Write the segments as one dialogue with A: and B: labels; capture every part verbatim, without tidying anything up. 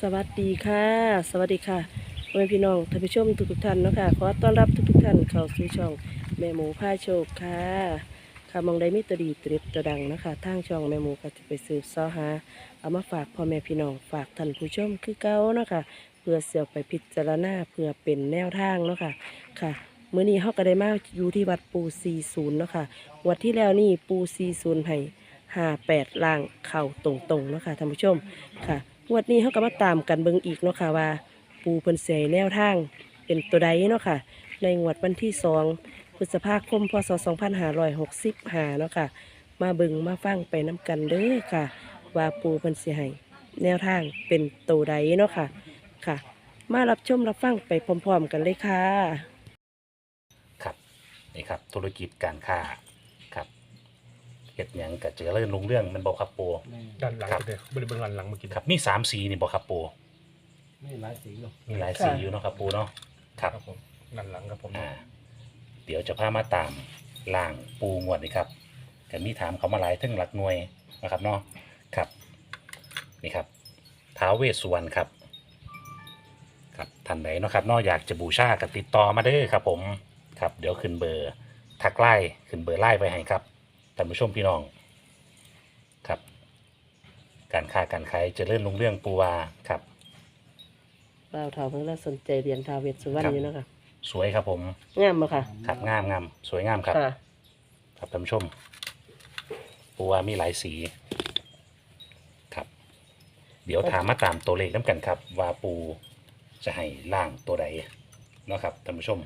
A: สวัสดีค่ะสวัสดีค่ะพ่อแม่พี่น้องท่านผู้ชมทุกๆท่านเนาะค่ะขอต้อนรับทุกๆท่านเข้าสู่ช่องแม่หมูพาโชคค่ะค่ะมองได้มีตัวดีตัวเด็ดตัวดังเนาะคะทางช่องแม่หมูก็จะไปสืบเสาะหาเอามาฝากพ่อแม่พี่น้องฝากท่านผู้ชมคือเก่าเนาะค่ะเพื่อเสี่ยวไปพิจารณาเพื่อเป็นแนวทางเนาะค่ะค่ะมื้อนี้เฮาก็ได้มาอยู่ที่วัดปูสี่สิบเนาะค่ะงวัดที่แล้วนี่ปูสี่สิบให้ห้าแปดล่างเข่าตรงๆเนาะค่ะท่านผู้ชมค่ะ งวดนี้เขาก็มาตามกันเบิ่งอีกเนาะค่ะว่าปูเพิ่นเสียแนวทางเป็นตัวใดเนาะค่ะในงวดวันที่สองพฤษภาคมพศสองพันห้าร้อยหกสิบห้าเนาะค่ะมาเบิ่งมาฟังไปน้กันเด้อค่ะว่าปูเพิ่นสิให้แนวทางเป็นตัวใดเนาะค่ะค่ะ มารับชมรับฟังไปพร้อมๆกันเลยค่ะ
B: ครับนี่ครับธุรกิจการค้าครับเฮ็ดหยังก็เจริญรุ่งเรื่องมันบอกครับปู
C: ด้านหลัง
B: ครับ
C: ไปเลยบริเวณด้านหลังเมื่อกี้
B: ครับมีสามสีนี่บอกครับปู
D: ไม่หลายสีหรอก
B: มีหลายสีอยู่เนาะครับปูเนาะครับ
C: ครับผมด้านหลังครับผม
B: อ่าเดี๋ยวจะพามาตามล่างปูงวดนี่ครับก็มีถามเขามาหลายถึงหลักหน่วยนะครับเนาะครับนี่ครับท้าวเวสสุวรรณครับครับท่านไหนเนาะครับเนาะอยากจะบูชาก็ติดต่อมาเด้อครับผมครับเดี๋ยวขึ้นเบอร์ทักไล่ขึ้นเบอร์ไล่ไปให้ครับท่านผู้ชมพี่น้องครับการค้าการขายเจริญรุ่งเรื่องปูวาครับ
A: บ่าวเฒ่าเพิ่งเริ่มสนใจเรียนท้าวเวสสุวรรณอยู่เนาะค่ะ
B: สวยครับผม
A: งามบ่ค่ะ
B: ครับงามงามสวยงามครับ
A: ค่ะ
B: ครับท่านผู้ชมปูวามีหลายสีครับ เดี๋ยวถามมาตามตัวเลขน้ำกันครับ ว่าปูจะให้ล่างตัวใดเนาะครับท่านผู้ชม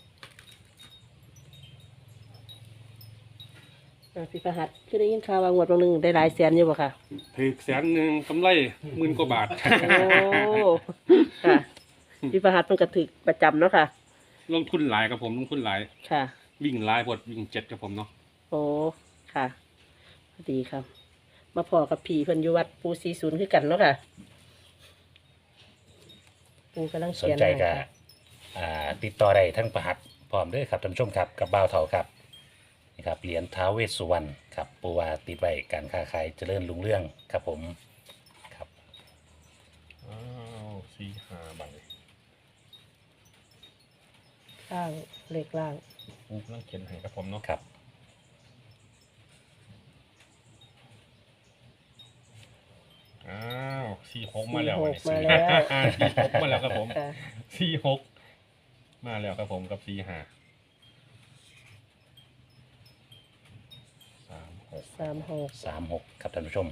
A: อ่าพี่ประหัตคือได้ยินข่าวว่างวดบางหนึงได้หลายแสนอยู่บ่ค่ะ
C: ถือแสนหนึ่งกำไรหมื่นกว่าบาท
A: โอ้ค่ะพี่ประหัตเพิ่นก็ถึกประจำเนาะค่ะ
C: ลงทุนหลายครับผมลงทุนหลาย
A: ค่ะ
C: วิ่งหลายพดวิ่งเจ็ดครับผมเนาะ
A: โอ้ค่ะดีครับ มาพอกับผีเพิ่นอยู่วัดปูสี่สิบคือกันเนาะค่ะ ปูกำลัง
B: สน
A: เขียน
B: ใจ
A: ให้
B: ก็
A: ค่ะ
B: อ่าติดต่อได้ทั้งประหัตพร้อมเด้วยครับท่านผู้ชมครับกับบ่าวเถาครับนี่ครับเหรียญท้าวเวสสุวรรณครับปูวาติดไว้การค้าขายเจริญรุ่งเรื่องครับผมครับ
C: อ้าวสี่ห้าใบ
A: ล่างเล็กล่าง
C: กูกำลังเขียนให้ครับผมเนาะ
B: ครับ
C: อ้าวสี่หกมาแล้ว
A: สี่หก
C: เนี่ย
A: มาแล้ว
C: สี่หกมาแล้วครับผม
A: ค่ะ
C: สี่หกมาแล้วครับผมกับสี่ห้าสามหก
A: สามหก
B: สามหกครับท่านผู้ชม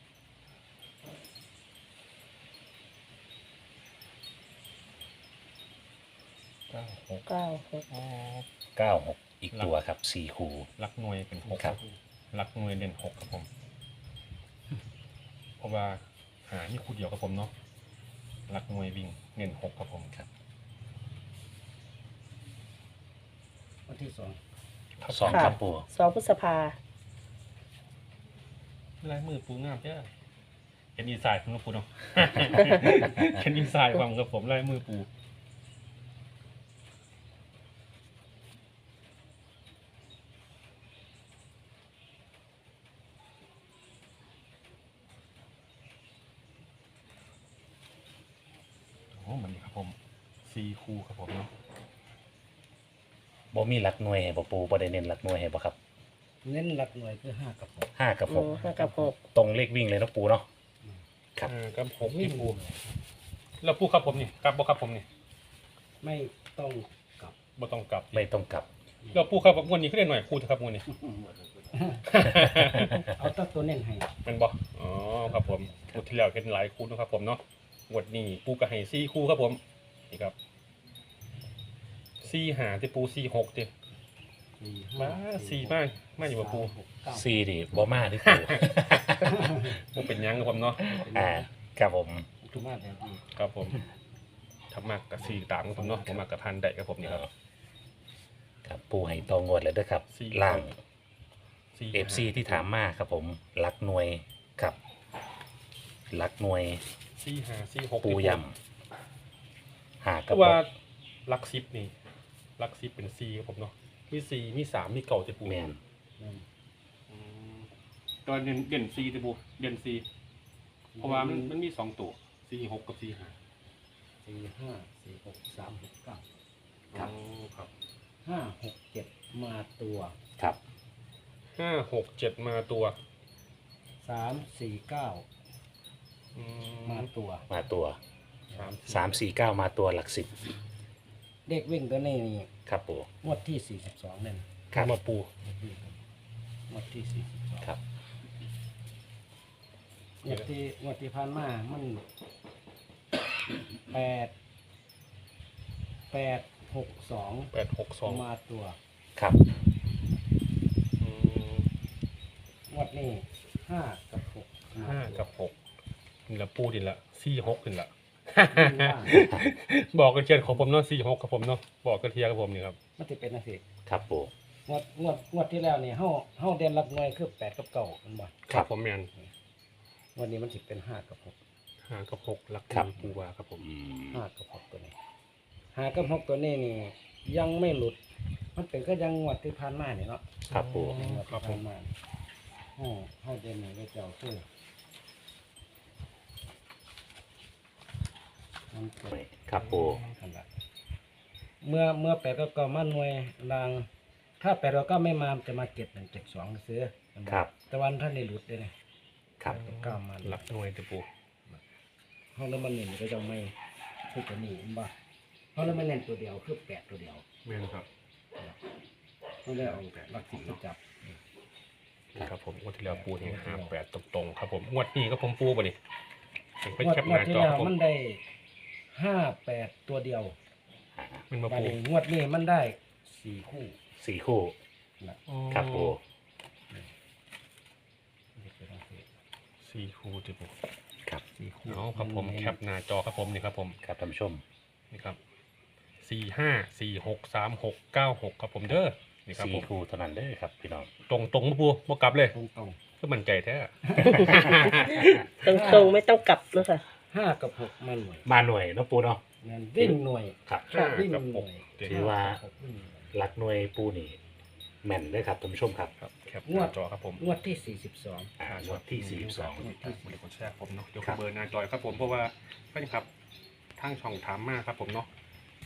C: เก้าหก
A: เก้าหก
C: อ๋อ
B: เก้าหกอีกตัวครับสี่คู
C: ลักหน่วยเป็นหก
B: ครับ
C: ลักหน่วยเด่นหกครับผม เพราะว่าหานี่คู่เดียวครับผมเนาะลักหน่วยวิ่งเน้นหกครับผม
B: ครับ
D: วันที่สอง
B: สองครับปู
A: สองพฤษภา
C: ลายมือปูงามเจ้าเห็นอีสายคุณปูเนาะ เห็นอีสายความกับผมลายมือปูโอ้มันนี่ครับผมซีคูครับผมเนาะ
B: บ่มีหลักหน่วยให้บ่ปูบ่ได้เน้นหลักหน่วยให้บ่ครับ
D: เน้นหลักหน่วยคือห้ากับหก
B: ห้ากับห
A: โอ้
B: ก
A: ห้ากับหก
B: ตรงเลขวิ่งเลยเนาะปูเนาะ ครับ
C: อ่ากับผมที่ปูแล้วปูครับผมนี่กลับบ่ครับผมนี่
D: ไม่ต้องกลับ
C: บ่ต้องกลับ
B: ไม่ต้องกลับ
C: แล้วปูครับผมวันนี้ก็ได้หน่อยปูเถอะครับวันนี้
D: เอาตั้งตัวเน้นให้
C: แมันบ่อ๋อครับผมงวดที่แล้วเห็นหลายคู่นะครับผมเนาะงวดนี้ปูก็ให้สี่คู่ครับผมนี่ครับสี่หาที่ปูสี่หกดิ
D: สี่
C: มาสี่มากมาอยู่กับปู
D: สหกเก้า
B: สี่ดิบ่มาที่ปู
C: ปูเป็นหยังครับผมเนาะ
B: อ่าครับผม
D: ทุกมาแบบนี้
C: ครับผมทำมากกับสี่ตามครับผมเนาะผมมากกับพันได้ครับผมนี่ครับ
B: ครับปูให้ตองวดเลยเด้วยครับ
C: สี่
B: ล่าง
C: สี่
B: เอฟซีที่ถามมาครับผมหลักหน่วยครับหลักหน่วย
C: สี่หาสี่หก
B: ปูยำหา
C: เพ
B: กับ
C: ราะว่าลักซิปนี่ลักซิปเป็นสี่ครับผมเนาะมีสี่มีสามมีเก่าจะปู
B: แมน
D: นั่น
C: อืมตอนเด่นเด่นสี่จะปูเด่นสี่เพราะว่ามันมันมีสองตัว สสี่หกกับสี่ห้า
D: สี่ห้าสี่หกสามหกเก้า
B: ครับ
C: อ๋อครับ
D: ห้าหกเจ็ดมาตัว
B: ครับ
C: ห้าหกเจ็ดมาตัว
D: สามสี่เก้า
C: อื
D: มาตัว
B: มาตัว
C: สาม
B: สามสี่เก้ามาตัวหลักสิบ
D: เด็กวิ่งตัวนี้นี่
B: ครับปู
D: งวดที่สี่สิบสองนั่น
B: ครับ
C: มาปู
D: เด็กวิ่งงวดที่สี่สิบสอง
B: ครับ
D: งวดที่งวดที่ผ่านมามันแปดแปดหกสอง
C: แปดหกสอง
D: มาตัว
B: ครับ
C: อืม
D: งวดนี้ห้ากับหกม
C: ห้า
D: ตัว
C: กับหกนี่ละปูดินละสี่หกดินละ
D: วิ่งล่าง
C: บอกกันเชียนของผมเนาะสี่หกกับผมเนาะบอกกันเทียกับผมนี่ครับ
D: มันจะเป็นอะไรสิ
B: ครับปู
D: งวดงวดงวดที่แล้วนี่เฮาเฮาเด่นรับหน่วยคือแปดกับเก้ามันบ่
C: ครับผมแมน
D: งวดนี้มันสิเป็นห้ากับหก
C: ห้ากับหกหลักมีปูวาครับผม
B: อืม
D: ห้ากับหกตัวนี้ห้ากับหกตัวนี้นี่ยังไม่หลุด มันเป็นก็ยังงวดที่ผ่านมานี่เนาะ
B: ครับปู
C: อืม
D: งวด
C: ครั
D: ที่
C: บผ
D: ผ่าม นมาเฮาเฮาเด่นนี่ก็เจ้าคือมันเกิด
B: ครับปู
D: ขนาดเมื่อเมื่อแปดกับเก้ามาหน่วยราง ถ้าแปดกับเก้าไม่มามันจะมาเก็บหนึ่งเจ็ดสองซื้อ
B: ครับ
D: แต่วันท่านได้หลุดเลยนะ
B: ครับ
D: เก้ามา
C: หลักหน่วยตะปู
D: ห้องแล้วมันเน้นก็จะไม่คือตัวนี้เห็นบ่ห้องแล้วมันเน้นตัวเดียวคือแปดตัวเดียว
C: แมนครับ
D: ห้องแล้วเอาหลักสิบมาจับ
C: นี่ครับผมงวดที่แล้วปูนี่ห้าแปดตรงๆครับผมงวดนี้ก็ผมปูป่ะนี่เป็น
D: งวด
C: แคป
D: ง
C: ห
D: วด
C: น้า
D: ที่
C: จอ
D: แล้
C: คว รับผม
D: มันได้ห้าแปดตัวเดียว
C: มันมา
D: บัด
C: ปู
D: นี้งวดนี้มันได้สี่คู่
B: สี่คู่
D: นะ
B: ครับปู
C: สี่คูตะปู
B: ครับ
D: สี่คู่
C: เอาครับผมแคปหน้าจอครับผมนี่ครับผม
B: ครับท่านผู้ชม
C: นี่ครับสี่ห้าสี่หกสามหกเก้าหกครับผมเด้อนี่ครับ
B: สี่
C: ผม
B: คู่เท่านั้นเด้อครับพี่น้อง
C: ตรงตรงๆมาปูมากลับเลย
D: ตรงตรง
C: ก็มั่นใจแท้
A: ตรงตรงๆไม่ต้องกลับเนาะค่ะ
D: ๆห้ากับหกมันหน่วย
B: มาหน่วยเนาะปูเนาะ
D: เงินวิ่งหน่วย
B: ครับ
D: ชอบวิ่ง
C: กับ
D: ห
C: ห
D: น่
C: ก
D: วย
B: ถือว่า
D: ห้กับหกวิ่งหน่วย
B: หลักหน่วยปูนี่แม่นเลยครับท่านผู้ชมครับ
C: ครับแคปหน้าจอครับผม
D: งวดที่สี่สิบสอง
B: อ่างวดที่สี่สิบสอง
C: งวดที่สี่สิบสองผมเนาะยก
B: ครับ
C: เบอร์หน้าจอครับผมเพราะว่าเพื่อนครับทางช่องถามมากครับผมเนาะ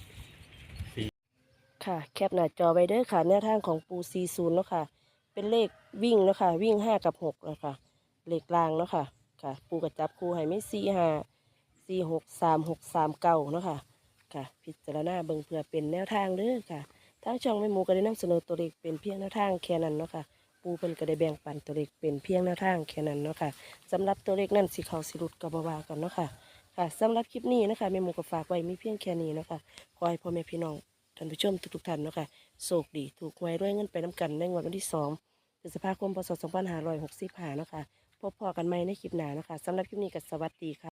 A: ค่ะ แคปหน้าจอไว้เด้อค่ะแนวทางของปูซีศูนย์เนาะค่ะ เป็นเลขวิ่งเนาะค่ะ วิ่งห้ากับหกเนาะค่ะ เลขรางเนาะค่ะ ค่ะ ปูกระจับคูให้ไม่สี่ห้าสี่หกสามหกสามเก้าเนาะค่ะ ค่ะ พิจารณาเบิ่งเพื่อเป็นแนวทางเด้อค่ะ ทางช่องแม่หมูก็ได้นำเสนอตัวเลขเป็นเพียงแนวทางแค่นั้นเนาะค่ะ ปูเพิ่นก็ได้แบ่งปันตัวเลขเป็นเพียงแนวทางแค่นั้นเนาะค่ะสำหรับตัวเลขนั่นสิเขาสิรุดกับบาวากันเนาะค่ะ ค่ะสำหรับคลิปนี้นะคะแม่หมูก็ฝากไว้มีเพียงแค่นี้เนาะค่ะขอให้พ่อแม่พี่น้องท่านผู้ชมทุกๆท่านเนาะค่ะโชคดีถูกหวยด้วยเงินไปน้ำกันในงวดวันที่สองพฤษภาคมพศสองพันห้าร้อยหกสิบห้าเนาะค่ะพบพอกันใหม่ในคลิปหน้าเนาะค่ะสำหรับคลิปนี้ก็สวัสดีค่ะ